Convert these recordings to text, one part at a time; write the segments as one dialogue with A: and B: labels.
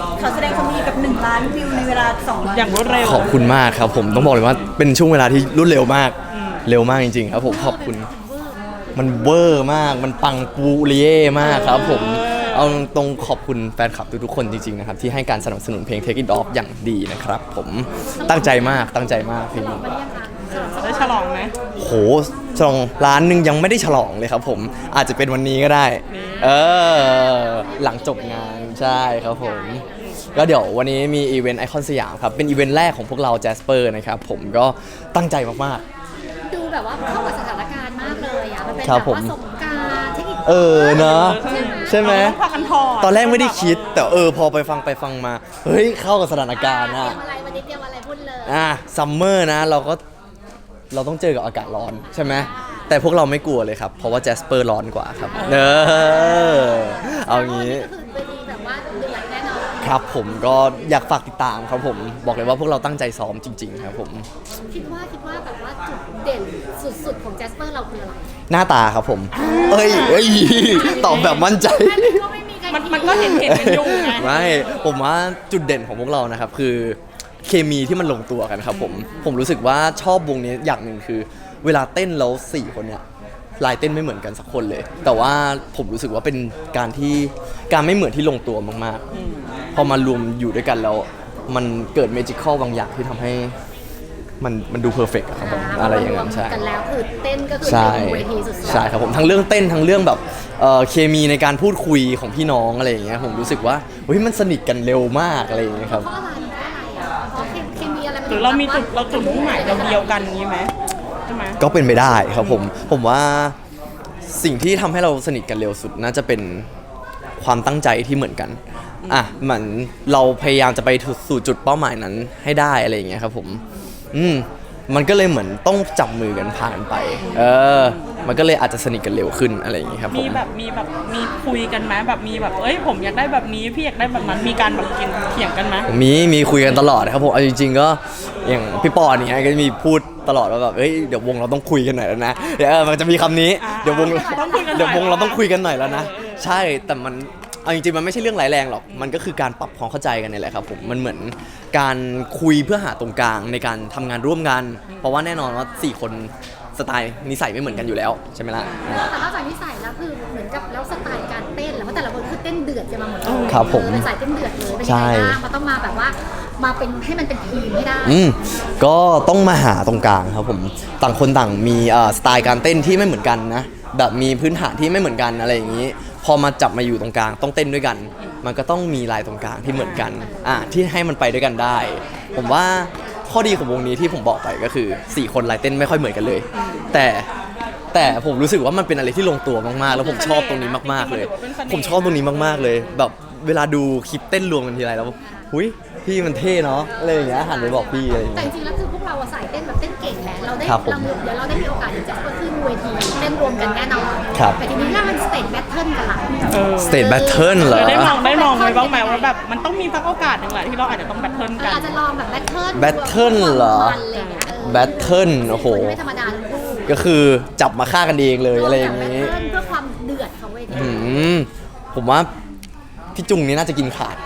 A: เขาแสดงความยินดีกับ1 ล้านวิวในเวลา2 วัน
B: อย่างรวดเร็ว
C: ขอบคุณมากครับผมต้องบอกเลยว่าเป็นช่วงเวลาที่รวดเร็วมากเร็วมากจริงๆครับผมขอบคุณมันเวอร์มากมันปังปูเรียมากครับผมเอาตรงขอบคุณแฟนคลับทุกๆคนจริงๆนะครับที่ให้การสนับสนุนเพลง Take It Off อย่างดีนะครับผมตั้งใจมากเพลงนี้
B: ได้ฉลองไหม
C: โหฉลองล้านหนึ่งยังไม่ได้ฉลองเลยครับผมอาจจะเป็นวันนี้ก็ได้หลังจบงานใช่ครับผมก็เดี๋ยววันนี้มีอีเวนต์ไอคอนสยามครับเป็นอีเวนต์แรกของพวกเราแจสเปอร์นะครับผมก็ตั้งใจมาก
D: ๆดูแบบว่าเข้ากับสถานการณ์มากเลยอ่ะมันเป็น
C: ๆ
D: แบบว่าสงกรานต์เทคนิค
C: เนอะใช่ไหมตอนแรกไม่ได้คิดแต่พอไปฟังมาเฮ้ยเข้ากับสถานการณ์อะ
D: อะไรวันนี้เตรียมอะไรพูดเลย
C: ซัมเมอร์นะเราต้องเจอกับอากาศร้อนใช่ไหมแต่พวกเราไม่กลัวเลยครับเพราะว่าแจสเปอร์ร้อนกว่าครับเอางี้
D: คือเวทีแบบว่าเดือดแน่นอน
C: ครับผมก็อยากฝากติดตามครับผมบอกเลยว่าพวกเราตั้งใจซ้อมจริงๆครับผม
D: คิดว่าแบบว่าจุดเด่นสุดๆของแจสเปอร์เราคืออะไร
C: หน้าตาครับผมเอ้ยตอบแบบมั่นใจ
B: มันก็เห็นเป็นยุ่งไง
C: ไม่ผมว่าจุดเด่นของพวกเรานะครับคือเคมีที่มันลงตัวกันครับผมรู้สึกว่าชอบวงนี้อย่างหนึ่งคือเวลาเต้นแล้ว4 คนเนี่ยลายเต้นไม่เหมือนกันสักคนเลยแต่ว่าผมรู้สึกว่าเป็นการไม่เหมือนที่ลงตัวมากๆพอมารวมอยู่ด้วยกันแล้วมันเกิดเมจิคอลบางอย่างที่ทำให้มันดูเพอร์เฟกต์ครับผมอะไรอย่างนั้นใช่
D: กันแล้วคือเต้นก็คือเวทีสุดๆ
C: ใช่ครับผมทั้งเรื่องเต้นทั้งเรื่องแบบเคมีในการพูดคุยของพี่น้องอะไรอย่างเงี้ยผมรู้สึกว่าเฮ้ยมันสนิทกันเร็วมากอะไรอย่างเงี้ยครับ
D: เพราะอะไรเคมีอะไร
B: หรือเรามีจุดมุ่งหมายเดียวกันนี้ไหมใช่ไหม
C: ก็เป็นไปได้ครับผมว่าสิ่งที่ทำให้เราสนิทกันเร็วสุดน่าจะเป็นความตั้งใจที่เหมือนกันเหมือนเราพยายามจะไปสู่จุดเป้าหมายนั้นให้ได้อะไรอย่างเงี้ยครับผมมันก็เลยเหมือนต้องจับมือกันผ่านไปมันก็เลยอาจจะสนิทกันเร็วขึ้นอะไรอย่างเงี้ยครับ
B: มีคุยกันไหมแบบมีแบบผมอยากได้แบบนี้พี่อยากได้แบบนั้นมีการแบบกินเถียงกันไหม
C: มีคุยกันตลอดครับผมเอาจริงๆก็อย่างพี่ปอเนี่ยก็มีพูดตลอดว่าแบบเดี๋ยววงเราต้องคุยกันหน่อยแล้วนะมันจะมีคำนี้เดี๋ยววงเราต้องคุยกันหน่อยแล้วนะใช่แต่มันเอาจริงๆมันไม่ใช่เรื่องร้ายแรงหรอกมันก็คือการปรับความเข้าใจกันนี่แหละครับผมมันเหมือนการคุยเพื่อหาตรงกลางในการทำงานร่วมกันเพราะว่าแน่นอนว่า4 คนสไตล์นิสัยไม่เหมือนกันอยู่แล้วใช่ไหมล่ะ
D: แต่นอกจากนิสัยแล้วคือเหมือนกับแล้วสไตล์การเต้นแล้วแต่ละคนคือเต้นเดือดจะมาหมดเลย
C: ครับผม
D: เป็นสายเต้นเดือดเลยเป็นยังไงบ้างมันต้องมาแบบว่ามาเป็นให้มันเป็นทีมไม่ได้
C: ก็ต้องมาหาตรงกลางครับผมต่างคนต่างมีสไตล์การเต้นที่ไม่เหมือนกันนะแบบมีพื้นฐานที่ไม่เหมือนกันอะไรอย่างนี้พอมาจับมาอยู่ตรงกลางต้องเต้นด้วยกันมันก็ต้องมีลายตรงกลางที่เหมือนกันที่ให้มันไปด้วยกันได้ผมว่าข้อดีของวงนี้ที่ผมบอกไปก็คือ4 คนลายเต้นไม่ค่อยเหมือนกันเลยแต่ผมรู้สึกว่ามันเป็นอะไรที่ลงตัวมากๆแล้วผมชอบตรงนี้มากๆเลยผมชอบตรงนี้มากๆเลยแบบเวลาดูคลิปเต้นรวมกันทีไรแล้วหุ้ยพี่มันเท่เนาะอะไรอย่างเงี้ยหันไปบอกพี่อะไรอย่าง
D: เงี้ยแต่จริงๆแล้วคือพวกเราใส่เต้นแบบเต้นเก่งแหละเดี๋ยวเราได้มีโอกาสจะขึ้นเวทีเต้นรวมกันแน่นอนแต่ทีนี้ถ้ามันสเตจแบทเทิลกันล่ะ
C: สเตจแบทเทิลเหรอ
B: ได้มองไว้บ้างไหมว่าแบบมันต้องมีสักโอกาสหนึ่งแหละที่เราอาจจะต้องแบทเทิลกัน
D: อาจจะลองแบบแบทเ
C: ทิลเหรอแบทเทิลโอ้โห
D: ไม่ธรรมดาทั้งคู่
C: ก็คือจับมาฆ่ากันเองเลยอะไรอย่างนี้
D: เพื่อความเดือดของเวที
C: ผมว่าพี่จุงนี่น่าจะกินขาด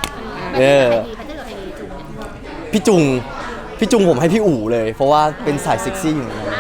C: พี่จุงผมให้พี่อู๋เลยเพราะว่าเป็นสายเซ็กซี่อยู่แล้ว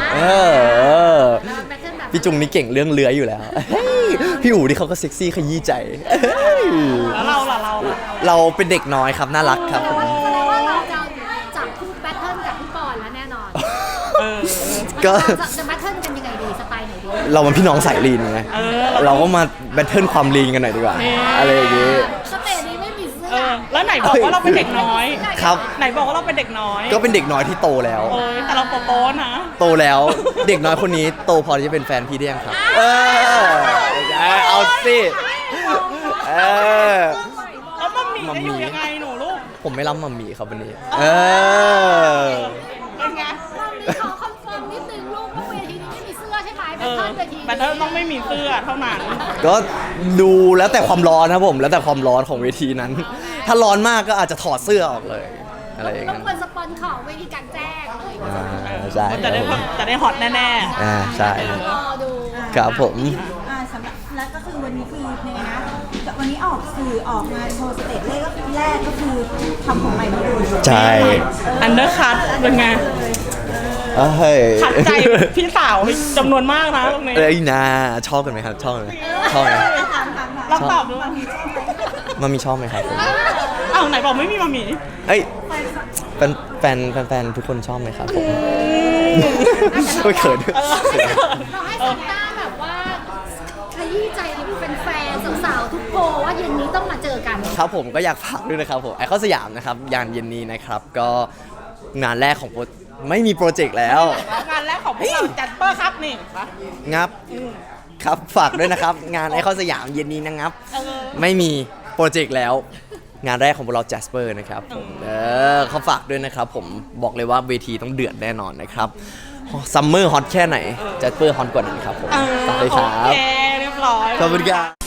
C: พี่จุงนี่เก่งเรื่องเลื้อยอยู่แล้วพี่อู๋ที่เขาก็เซ็กซี่ขยี้ใจ
B: แล้วเราล่ะ
C: เราเป็นเด็กน้อยครับน่ารักครับผม
D: แสดงว่าเราจะจับคู่แบทเทิลกับพี่ปอนแล้วแน่นอน
C: ก็
D: จะแบทเทิลกันยังไงดีสไตล์ไหนดี
C: เรามันพี่น้องสายลีนไงเราก็มาแบทเทิลความลีนกันหน่อยดีกว่าอะไรอย่างงี้
B: แล้วไหนบอกว่าเราเป็นเด็กน้อย
C: ครับ
B: ไหนบอกว่าเราเป็นเด็กน้อย
C: ก็เป็นเด็กน้อยที่โตแล้ว
B: แต่เราโตนะ
C: โตแล้วเด็กน้อยคนนี้โตพอที่จะเป็นแฟนพี่ได้ยังครับเอาสิ
B: แล้วมัมมี่จะอยู่ยังไงหนูลูก
C: ผมไม่รับมัมมี่ครับวันนี้
B: เป็นไง
D: ขอคอนเฟิร์มนิดนึงลูกว่าเวทีนี้ไม่มีเสื้อใช่ไหม
B: แบทเทิลต้องไม่มีเสื้อเท่านั้น
C: ก็ดูแล้วแต่ความร้อนครับผมแล้วแต่ความร้อนของเวทีนั้นถ้าร้อนมากก็อาจจะถอดเสื้อออกเลยอะไรอย่างเงี้ย
D: ต้องเป็นสปอนของเวทีกลางแจ้งเลย
C: ใช่
B: จะได้ฮอตแน่
C: ใช่
D: รอดู
C: ครับผม
A: สำหรับแล้วก็คือวันนี้คือยังไงนะวันวันนี้ออกสื่อออกมาโชว์สเตจแรกก็คือทำของใหม่หมดเลย
C: ใช่
B: อันเดอร์คัทเป็นไง
C: เฮ้ย
B: ขัดใจพี่สาวจำนวนมากนะตรงนี้
C: เอ้ยนะชอบกันไหมครับชอบกันไหมชอบไหม
A: ถาม
B: เราตอบด้วย
C: มามีชอบไหมครับผม
B: อ้าวไหนบอกไม่มีมามี
C: เอ้ยแฟนทุกคนชอบไหมครับผมโอ้ยเขิน
D: เราให้ซันต้าแบบว่าขยี้ใจแฟนๆสาวๆทุกโพลว่าเย็นนี้ต้องมาเจอกัน
C: ครับผมก็อยากฝากด้วยนะครับผมไอคอนสยามนะครับยานเย็นนี้นะครับก็งานแรกของไม่มีโปรเจกต์แล้ว
B: งานแรกของพวกเราจัดเปอร์ครับนี่ปะ
C: งับครับฝากด้วยนะครับ งานไอคอนสยามเย็นนี้นะครับ ไม่มีโปรเจกต์แล้ว งานแรกของพวกเรา Jasper นะครับผมเขาฝากด้วยนะครับผมบอกเลยว่าเวทีต้องเดือดแน่นอนนะครับซัมเมอร์ฮอตแค่ไหน Jasper ฮอตกว่านั้นครับผมฝากเลยครั
B: โอบ เคเรียบร้อย
C: ขอบคุณครับ